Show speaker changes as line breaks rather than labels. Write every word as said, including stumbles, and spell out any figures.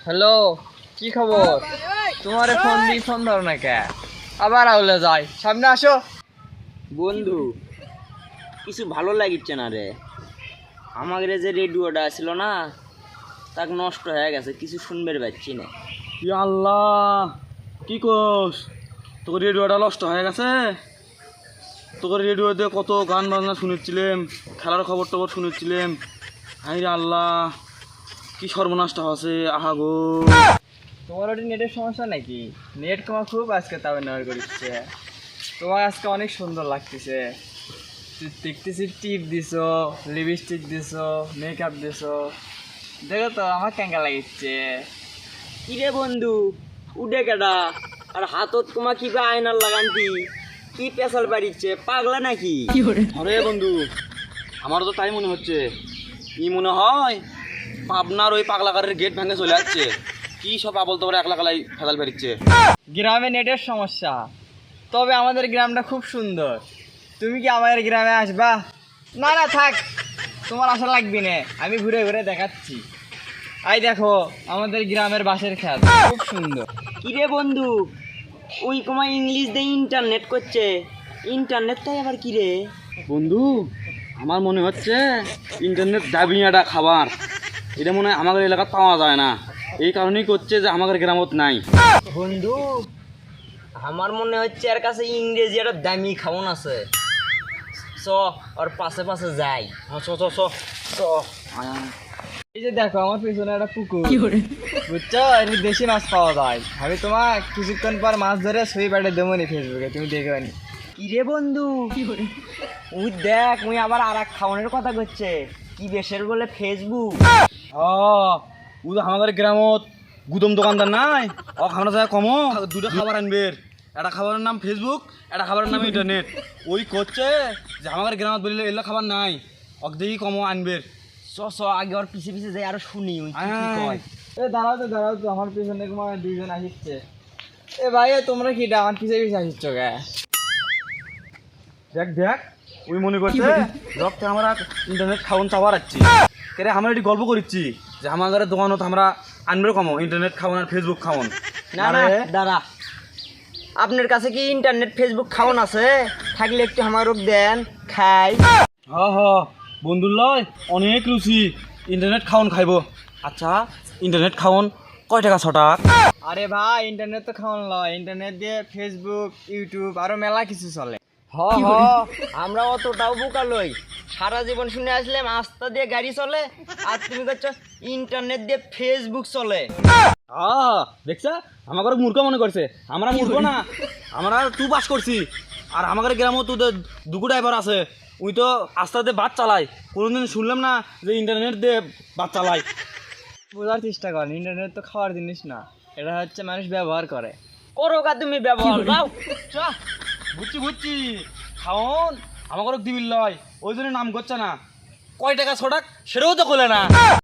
Hello, কি খবর? তোমার ফোন দিয়ে ফোন ধরো না কে? আবার আউলে যাই, সামনে আসো।
বন্ধু, কিছু ভালো লাগিচ্ছে না রে। আমাদের যে রেডিওটা ছিল না, তাক নষ্ট হয়ে গেছে, কিছু শুনবে পাচ্ছি না।
ই আল্লাহ, কি কোস? তোর রেডিওটা নষ্ট হয়ে গেছে? তোর রেডিওতে কত গান বাজনা শুনেছিলাম, খেলার খবর টবর শুনেছিলাম। হাই রে আল্লাহ, কি সর্বনাশটা হচ্ছে, আহা গো।
তোমার ওটি নেটের সমস্যা নাকি? নেট তোমার খুব আজকে তাও ব্যবহার করছে। তোমার আজকে অনেক সুন্দর লাগতেছে। দেখতেছি টিপ দিছো, লিপস্টিক দিছো, মেকআপ দিছো, দেখো তো আমার কেঙ্কা লাগিচ্ছে।
কিরে বন্ধু, উঠে কেডা? আর হাতত তোমার কি বা আয়নার লাগান্তি? কি পেশাল বাড়িচ্ছে, পাগলা নাকি?
আরে বন্ধু, আমারও তো তাই মনে হচ্ছে। কি মনে হয় পাবনার ওই পাগলাকারের গেট ভেঙে চলে যাচ্ছে। কি সব আবল তোমরা একলা কালাই ফেদাল ফেরিচ্ছে।
গ্রামে নেটের সমস্যা, তবে আমাদের গ্রামটা খুব সুন্দর। তুমি কি আমাদের গ্রামে আসবা? না না থাক, তোমার আশা লাগবে না, আমি ঘুরে ঘুরে দেখাচ্ছি। এই দেখো আমাদের গ্রামের বাঁশের খেত, খুব সুন্দর।
কিরে বন্ধু, ওই তোমার ইংলিশ দিয়ে ইন্টারনেট করছে, ইন্টারনেটটাই আবার কিরে?
বন্ধু, আমার মনে হচ্ছে ইন্টারনেট দাবিয়াটা খাবার, এটা মনে হয় আমাদের এলাকায় পাওয়া যায় না। এই কারণেই করছে যে আমাদের গ্রামত নাই।
বন্ধু, আমার মনে হচ্ছে এর কাছে ইংরেজি একটা দামি খাওন আছে। চ ওর পাশে পাশে যাই।
চ চ চ চ।
এই যে দেখো আমার পিছনে একটা পুকুর, বুঝছো? এর দেশি মাছ পাওয়া যায়। আমি তোমার কিছুক্ষণ পর মাছ ধরে ছবি পাঠিয়ে দেবো নি ফেসবুকে, তুমি দেখবে নি।
কিরে বন্ধু, ওই দেখ ওই আবার আর এক খাওয়ানোর কথা করছে, কি দেশের বলে ফেসবুক।
হ্যাঁ, ও তো আমাদের গ্রামত গুদম দোকানদার নাই, ও খাবার যায় কমো দুটো খাবার আনবে। একটা খাবারের নাম ফেসবুক, একটা খাবারের নাম ইন্টারনেট। ওই করছে যে আমাদের গ্রামত বললে এগুলো খাবার নাই, অক দেখি কমো আনবে।
চ চ আগে ওর পিছে পিছে যাই আরো শুনি ওই কি কি
আয়।
কয়।
এ দাঁড়াও তো দাঁড়াও তো, আমার পিছনে তোমার দুইজন আসছে। এ ভাই, এ তোমরা কি আমার পিছে পিছে আসছ গে?
দেখ দেখ, ওই মনে করছে রক্তে আমরা ইন্টারনেট খাওয়ান চাওয়ার আছি। কেরে আমরা এটি গল্প করছি যে আমাদের দোকানত আমরা আনবে কমো ইন্টারনেট খাওয়ান আর ফেসবুক খাওয়ান।
না না দাঁড়া, আপনার কাছে কি ইন্টারনেট ফেসবুক খাওন আছে? থাকলে একটু আমারও দেন, খাই।
হ হ, বন্ধুর লয় অনেক রুচি, ইন্টারনেট খাওন খাইব। আচ্ছা, ইন্টারনেট খাওন কয় টাকা ছটাক?
আরে ভাই, ইন্টারনেট তো খাওয়ান লয়, ইন্টারনেট দিয়ে ফেসবুক, ইউটিউব আরো মেলা কিছু চলে।
হ হ, আমরা অতটাও বোকা লই। সারা জীবন শুনে আসলাম আস্তা দিয়ে গাড়ি চলে, আর তুমি করছো ইন্টারনেট দিয়ে ফেসবুক চলে।
আহ, দেখছা আমাকে মূর্খ মনে করছে। আমরা মূর্খ না, আমরা টু পাস করছি। আর আমাদের গ্রামও তো দুটো ড্রাইভার আছে, ওই তো আস্তে বাস চালায়। কোনোদিন শুনলাম না যে ইন্টারনেট দিয়ে বাস চালায়।
বোঝার চেষ্টা করেন, ইন্টারনেট তো খাওয়ার জিনিস না, এটা হচ্ছে মানুষ ব্যবহার করে।
করো কা তুমি ব্যবহার, যাও।
বুঝছি বুঝছি, খাওন আমাকে দিবিল লয়, ওই জন্য নাম করছে না। কয় টাকা ছটাক সেটাও তো খোলে না।